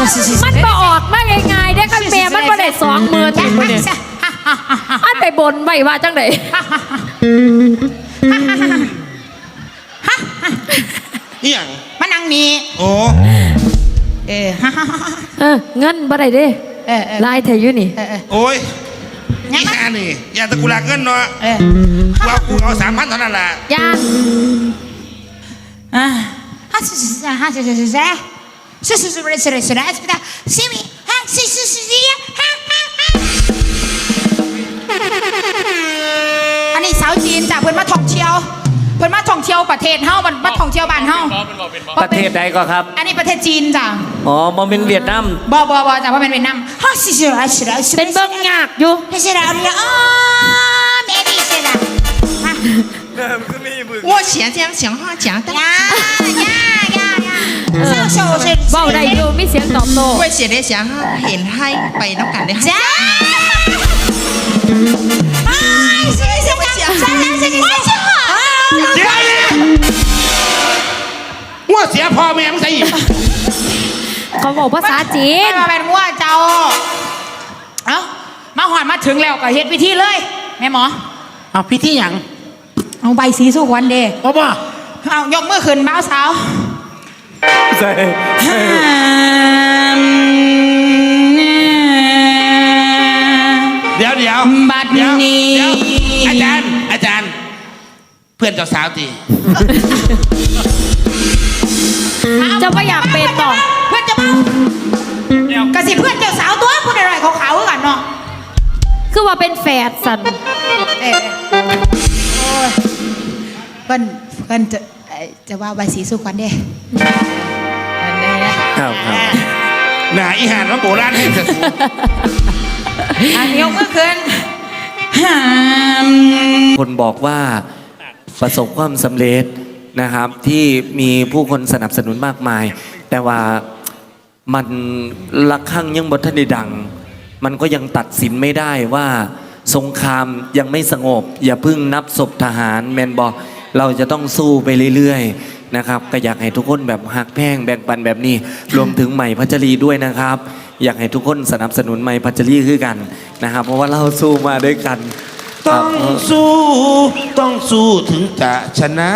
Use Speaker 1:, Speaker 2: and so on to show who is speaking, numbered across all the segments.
Speaker 1: มันก็ออกมาง่ายๆได้คันแม่มันบ่ได้20,000นี่มื้อนี้อันไปบนไว้ว่าจังได๋
Speaker 2: นี่อย่าง
Speaker 3: มานั่งนี่
Speaker 2: โอ้
Speaker 1: เงินบ่ได้เด้ลายแท้อยู่นี่
Speaker 2: โอ้ยนี่แค่นี่อย่าตะกุลาเงินเนาะว่ากูเอา3,000เท่านั้นแหละ
Speaker 1: ย่าง
Speaker 3: อันนี้สาวจีนจ้ะเพิ่นมาท่องเที่ยวประเทศเฮามันมาท่องเที่ยวบ้านเฮา
Speaker 4: ประเทศใดก็ครับ
Speaker 3: อันนี้ประเทศจีนจ้ะ
Speaker 4: อ๋อบ่เป็นเวียดนาม
Speaker 3: บ่จ้ะบ่เป็นเวียดนาม
Speaker 1: เป็นเบิ่งยากอยู่
Speaker 3: 我现在想话讲的呀
Speaker 1: เว้าได้อยู่มีเสียงตอบโต้
Speaker 3: 我写的想เห็นให้ไปน้ำกันได้จ้า
Speaker 2: ว่าเสียพ่อแม่มึงใส่อีก
Speaker 1: เขาบอกภาษาจีน
Speaker 3: มาเป็นว่าเจ้าเอ้ามาหอดมาถึงแล้วก็เฮ็ดพิธีเลยแม่หมอ
Speaker 2: เอาพิธีหยัง
Speaker 3: เอาใบสีสุวรรณเด้
Speaker 2: เอาป่ะ
Speaker 3: เอายกมือขึ้นบ่าวสาว
Speaker 4: ใส่
Speaker 2: เดี๋ยว
Speaker 3: บัดนี้
Speaker 2: อาจารย์เพื่อนเจ้าสาวตี
Speaker 1: จะไม่อยากเป็นต่อ
Speaker 3: เพื่อนจะมากระสิเพื่อนเจ้าสาวตัวพูดอะไรเขาขาวกันเนาะ
Speaker 1: คือว่าเป็นแฝดสัน
Speaker 3: เพื่อนจะว่าใบสีสุวรรณเด้
Speaker 4: ครับ
Speaker 2: หนาอีหานว่าโบราณให้จะสู
Speaker 3: อันยกมือขึ้น
Speaker 4: คนบอกว่าประสบความสำเร็จนะครับที่มีผู้คนสนับสนุนมากมายแต่ว่ามันละครั้งยังบททันได้ดังมันก็ยังตัดสินไม่ได้ว่าสงครามยังไม่สงบอย่าพึ่งนับศพทหารแมนบอกเราจะต้องสู้ไปเรื่อยๆนะครับก็อยากให้ทุกคนแบบหักแพงแบ่งปันแบบนี้รวมถึงใหม่พัชรีด้วยนะครับอยากให้ทุกคนสนับสนุนใหม่พัชรีคือกันนะครับเพราะว่าเราสู้มาด้วยกัน
Speaker 2: ต้องสู้ถึงจะชนะ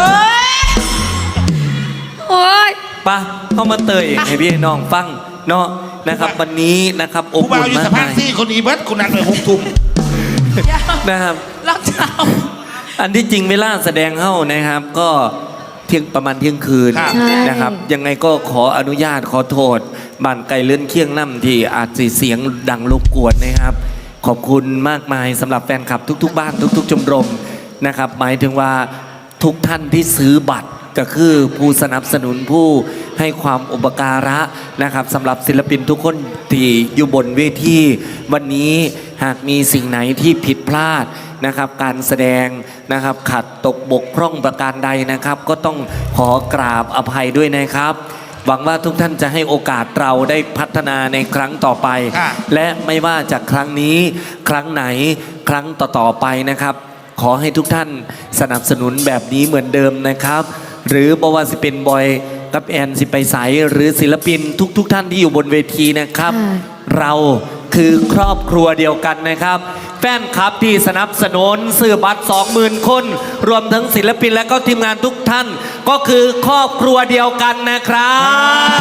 Speaker 1: โอ้ย
Speaker 4: ปะเข้ามาเตยเองให้พี่น้องฟังเนาะนะครับวันนี้นะครับอบอุ่นมาก
Speaker 2: สะพานซี่คนอีเบิร์ตคนนั้นเลย6 ทุ่ม
Speaker 4: นะครับ
Speaker 3: ล็อกเท้า
Speaker 4: อันที่จริงเวลาแสดงเข้านะครับก็ประมาณเที่ยงคืนนะครับยังไงก็ขออนุญาตขอโทษบ้านไกลเลื่อนเคียงน้ำที่อาจจะเสียงดังรบกวนนะครับขอบคุณมากมายสำหรับแฟนคลับทุกๆบ้านทุกๆชมรมนะครับหมายถึงว่าทุกท่านที่ซื้อบัตรก็คือผู้สนับสนุนผู้ให้ความอุปการะนะครับสำหรับศิลปินทุกคนที่อยู่บนเวทีวันนี้หากมีสิ่งไหนที่ผิดพลาดนะครับการแสดงนะครับขัดตกบกพร่องประการใดนะครับก็ต้องขอกราบอภัยด้วยนะครับหวังว่าทุกท่านจะให้โอกาสเราได้พัฒนาในครั้งต่อไปและไม่ว่าจากครั้งนี้ครั้งไหนครั้งต่อๆไปนะครับขอให้ทุกท่านสนับสนุนแบบนี้เหมือนเดิมนะครับหรือบ่ว่าสิเป็นบอยกับแอนสิไปใสหรือศิลปินทุกท่านที่อยู่บนเวทีนะครับเราคือครอบครัวเดียวกันนะครับแฟนคลับที่สนับสนุนซื้อบัตร 20,000 คนรวมทั้งศิลปินและก็ทีมงานทุกท่านก็คือครอบครัวเดียวกันนะครับ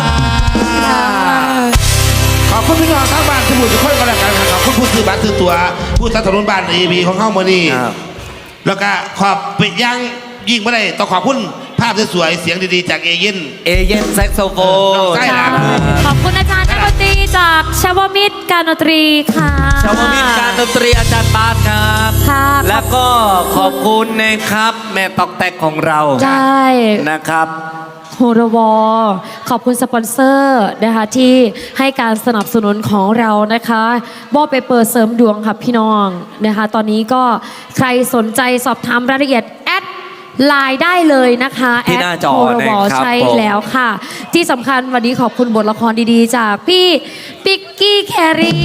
Speaker 2: ขอบคุณพี่น้องทั้งบ้านที่บุญทุกคนก็แล้วกันขอบคุณผู้ซื้อบัตรซื้อตั๋วผู้สนับสนุนบ้านEBของเข้ามานี่แล้วก็ขอบไปยังยิ่งไม่ได้ต้องขอบคุณภาพสวยๆเสียงดีๆจากเอเย่น
Speaker 4: แซกโซโฟน
Speaker 1: ขอบคุณอาจารย์นักดนตรีจากชาวมิตรการดนตรีค่ะ
Speaker 4: ชาวมิตรการดนตรีอาจารย์บาสครับแล้วก็ขอบคุณนะครับแม่ตอกแตกของเรา
Speaker 1: ใช่
Speaker 4: นะครับ
Speaker 1: โฮรวอขอบคุณสปอนเซอร์นะคะที่ให้การสนับสนุนของเรานะคะบอไปเปิดเสริมดวงค่ะพี่น้องนะคะตอนนี้ก็ใครสนใจสอบถามรายละเอียดแอดไลน์ได้เลยนะคะ
Speaker 4: ที่หน้าจอ
Speaker 1: นะครับใช่แล้วค่ะที่สำคัญวันนี้ขอบคุณบทละครดีๆจากพี่ปิกกี้แครี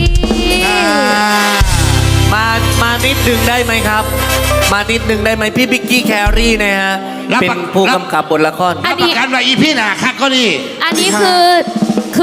Speaker 4: มานิดนึงได้ไหมครับมานิดนึงได้ไหมพี่ปิกกี้แครีนะฮะเป็นผู้กำกับบทละคร
Speaker 2: อันนี้การว่าอีพี่น่ะคักก็นี่
Speaker 1: อันนี้คือ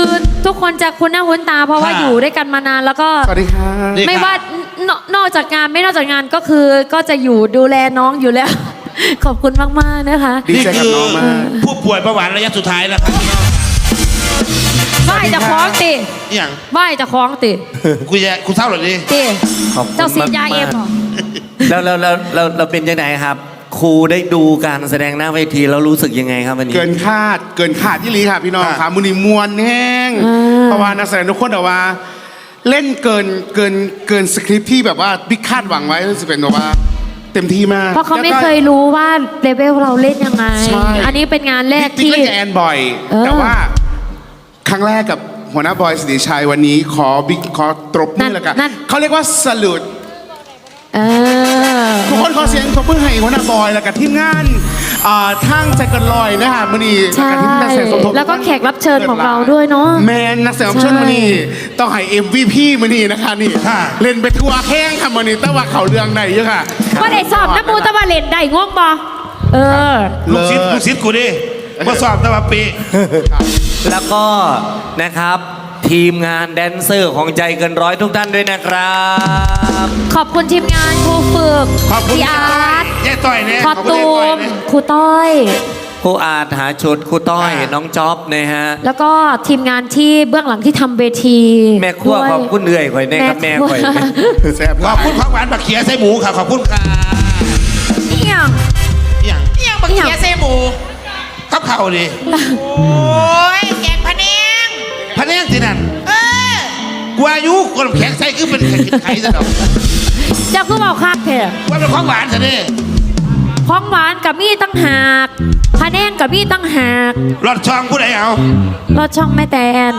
Speaker 1: ทุกคนจะคุ้นหน้าคุ้นตาเพราะว่า
Speaker 2: ค่ะ
Speaker 1: อยู่ด้วยกันมานานแล้วก็
Speaker 5: สวัสดีครับ
Speaker 2: นี่
Speaker 1: ไม่
Speaker 2: ค่ะ
Speaker 1: ว่านอกจากงานไม่นอกจากงานก็คือก็จะอยู่ดูแลน้องอยู่แล้ว ขอบคุณมากๆนะคะ
Speaker 5: ดีใจกับน้องมาก
Speaker 2: ผู้ป่วยเบาหวานระยะสุดท้ายแล้วครับ
Speaker 1: ไหว้จะคล้องติ
Speaker 2: อหย่าง
Speaker 1: ไหว้จะคล้องติ
Speaker 2: กูเศร้าเหรอดิ
Speaker 1: ติ
Speaker 4: ขอบคุณ
Speaker 1: เจ้าซีดยาเอ็ม
Speaker 4: มากๆ
Speaker 1: เหรอ
Speaker 4: แล้วเป็นยังไงครับ ครูได้ดูการแสดงหน้าเวทีแล้วรู้สึกยังไงครับวันนี้
Speaker 5: เกินคาดที่ลีค่ะพี่น้อง
Speaker 2: ค่ะ
Speaker 5: ค่ะมุนีมวลแห้ง
Speaker 1: อ่า
Speaker 5: เพราะว่านักแสดงทุกคนแต่ว่า เล่นเกินสคริปต์ที่แบบว่าบิ๊กคาดหวังไว้รู้สึกเป็นแบบว่า เต็มที่มาก
Speaker 1: เพราะเขาไม่
Speaker 5: แล้วก็
Speaker 1: เคยรู้ว่าเลเวลเราเล่นยังไง
Speaker 5: ใช่
Speaker 1: อันนี้เป็นงานแรก
Speaker 5: บิ๊ก
Speaker 1: ที่
Speaker 5: เล่นกับแอนบ่อย
Speaker 1: เออ
Speaker 5: แต่ว่าครั้งแรกกับหัวหน้าบอยสิริชัยวันนี้ขอตบมือแล้วกัน
Speaker 1: นั่น
Speaker 5: เขาเรียกว่าสลุด
Speaker 1: เออ
Speaker 5: ทุกคนขอเสียงตบมือให้หัวหน้าบอยแล้วกับทีมงานทางใจเกันลอยนะคะมันนี่
Speaker 1: ใช่
Speaker 5: กับทีมนักแสดงสมทบ
Speaker 1: แล้วก็แขกรับเชิญของเราด้วยเนาะ
Speaker 5: แมนนักแสดงรับเชิญมันนี่ต้องให้ MVP มันนี่นะคะนี่
Speaker 2: ค่ะ
Speaker 5: เล่นไปทั่วแข้งค่ะมันนี่แต่ว่าเขาเรื่องไหนเยอะค่ะ
Speaker 1: ว่าได้สอบน้ำมูตะวันเล่นได้ง่วงบอเออ
Speaker 2: ลูกศิษย์กูดิมาสอบตะวันปี
Speaker 4: แล้วก็นะครับทีมงานแดนเซอร์ของใจเกินร้อยทุกท่านด้วยนะครับ
Speaker 1: ขอบคุณทีมงานครูฝึก
Speaker 2: ขอบคุณ
Speaker 1: พี่อาร์ต
Speaker 2: ยายต่อยเนี่ย
Speaker 1: คอ
Speaker 2: ขอบคุณ
Speaker 1: ตู
Speaker 2: ยายต่อย
Speaker 1: ม
Speaker 2: เนี่ย
Speaker 1: ครูต้อย
Speaker 4: ครูอาจหาชุดครูต้อย
Speaker 2: ค่ะ
Speaker 4: น้องจ๊อบนะฮะ
Speaker 1: แล้วก็ทีมงานที่เบื้องหลังที่ทำเวที
Speaker 4: แม่ครัว
Speaker 1: ด้วย
Speaker 4: ขอบคุณเหนื่อยข่อยแน่ครับแม่ข่อย
Speaker 5: แซ่บ
Speaker 2: ขอบคุณของหวานบักเขียใส่หมูค่ะขอบคุณค่ะ
Speaker 1: เอี่ยง
Speaker 2: อหย่าง
Speaker 3: เอี่ยงบักเขียเซหมู
Speaker 2: กับเข่าดิ
Speaker 3: โอ้ยแกงพะแนง
Speaker 2: พะแนงที่นั่น
Speaker 3: เออ
Speaker 2: กูอายุคนแข็งใส่คือเป็นแข็งกินไข่ซะดอก
Speaker 1: เจ้าคือเบาคักแท้
Speaker 2: ว่าเป็นของหวานซะดิ
Speaker 1: ของหวานกับมีตั้งหากพะแนงกับมีตั้งหาก
Speaker 2: รอดช่องผู้ใดเอา
Speaker 1: รสช่องแม่แตน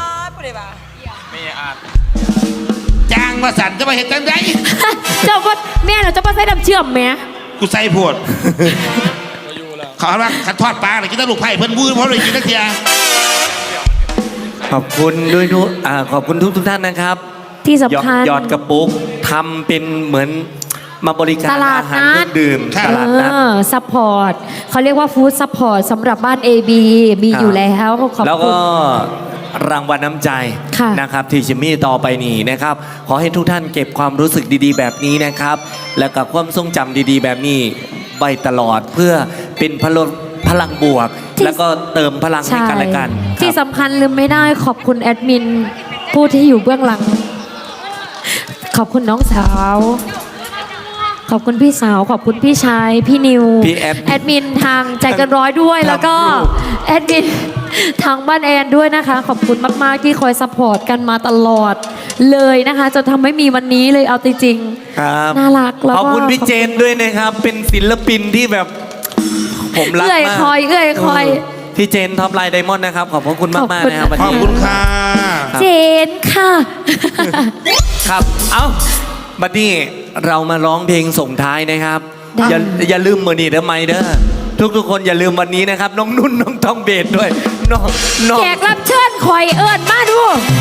Speaker 2: จางมาสั่นจะมาเห็นจังได
Speaker 1: เจ้าว่าแม่เราจะมาใส่น้ำเชื่อมไหม
Speaker 2: กูใส่โพดขอว่าขัดทอดปลาหน่อยกินแตลูกไผ่เพิ่นวื้อเพราะเลยกินนักเทีย
Speaker 4: ขอบคุณด้วยขอบคุณทุกท่านนะครับ
Speaker 1: ที่สำคัญ
Speaker 4: หยอดกระปุกทำเป็นเหมือนมาบริการ
Speaker 1: ตลาด
Speaker 4: อาหาร
Speaker 1: นั
Speaker 4: เครื่
Speaker 1: ด
Speaker 4: องดื่มตลาดนัด
Speaker 1: ซัพพอร์ตเขาเรียกว่าฟู้ดซัพพอร์ตสำหรับบ้าน AB มีอยู่แล้วขอบ
Speaker 4: แล้ว
Speaker 1: คุ
Speaker 4: ก็
Speaker 1: ณ
Speaker 4: รางวัลน้ำใจ
Speaker 1: ค่ะ
Speaker 4: นะครับที่จะมีต่อไปนี้นะครับ ขอให้ทุกท่านเก็บความรู้สึกดีๆ แบบนี้นะครับ แล้วกับความทรงจำดีๆ แบบนี้ไว้ตลอดเพื่อเป็นพลังบวก แล้วก็เติมพลังให้กันและกัน
Speaker 1: ที่
Speaker 4: ครับ
Speaker 1: สำคัญลืมไม่ได้ขอบคุณแอดมิน ผู้ที่อยู่เบื้องหลัง ขอบคุณน้องสาว ขอบคุณพี่สาว ขอบคุณพี่ชาย พี่นิว
Speaker 4: พี่แอด
Speaker 1: มินทางใจเกันร้อยด้วย แล้วก็แอดมินทางบ้านแอนด้วยนะคะ ขอบคุณมาก ๆ ที่คอยซัพพอร์ตกันมาตลอดเลยนะคะจนทำให้มีวันนี้เลยเอาจริงๆ
Speaker 4: ครับ
Speaker 1: น่ารักแล้วก็
Speaker 4: ขอบคุณพี่เจนด้วยนะครับ เป็นศิลปินที่แบบผมรัก
Speaker 1: เอื้อย
Speaker 4: มาก
Speaker 1: คอยเอื้อยคอย
Speaker 4: พี่เจนท็อปไลน์ไดมอนด์นะครับ ขอบพระคุณมากๆนะครับวัน
Speaker 2: ขอบ
Speaker 4: นี้
Speaker 2: คุณค่ะ
Speaker 1: เจนค่ะ
Speaker 4: ครับ เอ้าบัดนี้เรามาร้องเพลงส่งท้ายนะครับ
Speaker 1: ได้
Speaker 4: อย่าลืมมือนี่เด้อไม่เด้อทุกคนอย่าลืมวันนี้นะครับ น้องนุ่นน้องทองเบสด้วยน้อง
Speaker 1: แขกรับเชิญคอยเอิญมาดู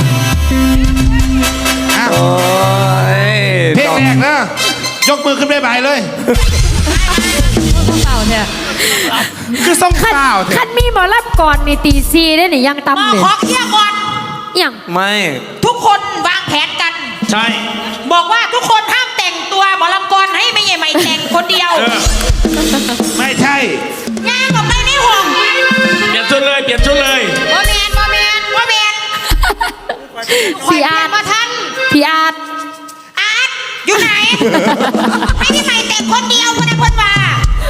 Speaker 2: อ้าว
Speaker 4: โอ้ย
Speaker 2: เพลงแรกนะยกมือขึ้นบ๊ายบายเลย
Speaker 1: เต่าเนี่ย
Speaker 5: คือส่ง
Speaker 1: ขั้น
Speaker 5: ข่าวเถ
Speaker 1: ขั้
Speaker 5: อะ
Speaker 1: นมีหมอรับก่อนในตีซีได้หนิยัง
Speaker 3: มา
Speaker 1: ตำเนี่ย
Speaker 3: ขอเคลียร์ก่อน
Speaker 1: อย่าง
Speaker 4: ไม่
Speaker 3: ทุกคนวางแผนกัน
Speaker 2: ใช่
Speaker 3: บอกว่าทุกคนห้ามแต่งตัวหมอลำกรให้ไม่ใหญ่ไม่แต่งคนเดียว
Speaker 2: ไม่ใช่
Speaker 3: ย่างออกไปในห้อง
Speaker 2: เปลี่ยนชุดเลยเปลี่ยนชุดเลย
Speaker 3: บ่แมน
Speaker 1: พี่อาร์ต
Speaker 3: มาทัน
Speaker 1: พี่อาร์ต
Speaker 3: อาร์ตอยู่ไหน ให้พี่ใหม่แต่งคนเดียวคนนั้นคนว่า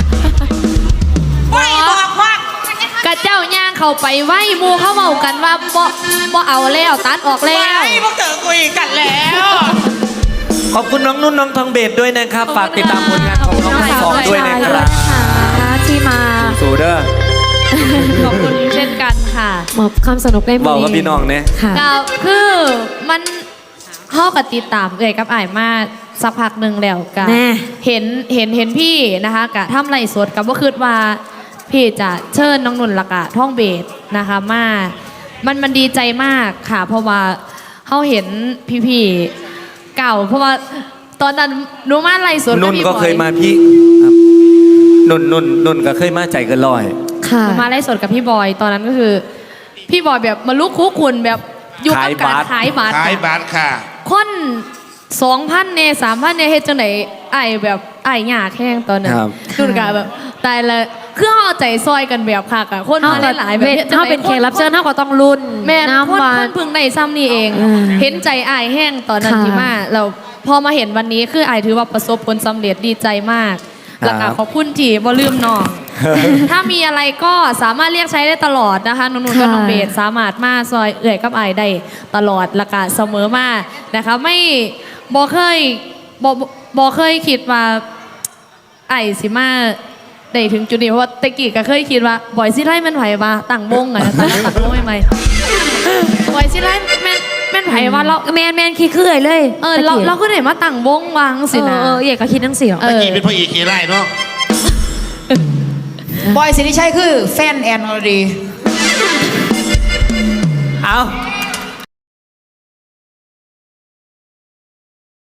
Speaker 3: ไม่บอกว่าก
Speaker 1: ระเจ้าย่างเข้าไปไหวหมูเขาเมากันว่าบ่เอาแล้วตัดออกแล้ว
Speaker 3: ไม่พวกเธอคุยกันแล้ว
Speaker 4: ขอบคุณน้องนุ่นน้องทองเบสด้วยนะครับ ฝากติดตามผลงานของน้องทั้งสองด้วยนะครับ
Speaker 1: ที่มา
Speaker 4: สู่เด้อ
Speaker 6: ขอบคุณเช่นกันค่ะ
Speaker 1: มอบความสนุกได้
Speaker 4: บอกกับพี่น้องเนี่ย
Speaker 1: ค่ะ
Speaker 6: ก็คือมันเข้ากับติดตามเอ่ยกับอ่ายมาสักพักหนึ่งแล้วกัน
Speaker 1: แน่
Speaker 6: เห็นพี่นะคะกะทำไรสดกับว่าคือว่าพี่จะเชิญน้องนุ่นละกะท่องเบสนะคะมามันดีใจมากค่ะ เพราะว่าเขาเห็นพี่ๆเก่า เพราะว่าตอนนั้นหนูมาไรสดบ
Speaker 4: นุ่น
Speaker 6: พี่
Speaker 4: ก็
Speaker 6: บอ
Speaker 4: เคยมาพี่ครับนุ่นก็เคยมาใจเกันลอย
Speaker 1: ค่ะ
Speaker 6: หนูมาไล่สดกับพี่บอย ตอนนั้นก็คือ พี่บอยแบบมาลุกคุกคุนแบบอยู่กับการขายบัตร
Speaker 2: ขายบัตรค่ะ
Speaker 6: คน2,000เนี่ย3,000เนี่ยเฮ็ดจังไดไอ้แบบไอ้หยาแข้งตอนนั้น
Speaker 4: ครับ
Speaker 6: ดูกะแบบตายละคือเอาใจซอยกันแบบคักอะคนมาหลายๆแบบ
Speaker 1: ถ้าเป็นแขกรับเชิญเท่าก็ต้องรุ่น
Speaker 6: แม่คน
Speaker 1: น้ำหวา
Speaker 6: คน นพึ่งในซ้ำนี่เอง
Speaker 1: อืม
Speaker 6: เห็นใจไอ้ายแห้งตอนนั้น
Speaker 1: ค่ะ
Speaker 6: ที่มาเราพอมาเห็นวันนี้คือไอ้ายถือว่าประสบผลสำเร็จดีใจมาก แล้วก็ขอบคุณที่บ่ลืมน้อง ถ้ามีอะไรก็สามารถเรียกใช้ได้ตลอดนะคะนุ่นๆก็น้องเบสสามารถมาซอยเอื่อยกับไอ้ายได้ตลอดและก็เสมอมานะคะไม่บ่เคยคิดว่าไอ้สิมาได้ถึงจุดนี้เพราะว่าตะกี้ก็เคยคิดว่าบ่อยสิไล่แม่นไผว่าตั้งวงอะนะตั้งวงใหม่ๆบ่อยสิไล่แม่นไผว่าเรา
Speaker 1: แมนขี้เขื่อยเลย
Speaker 6: เราก็ได้มาตั้งวงวางสินะ
Speaker 1: เอกก็คิดทั้งเสียง
Speaker 6: เออ
Speaker 2: ตะกี้เป็นพ่อเอกเคไล่เนาะ
Speaker 3: บอยสิริชัยคือแฟนแอนอรดี
Speaker 4: เอา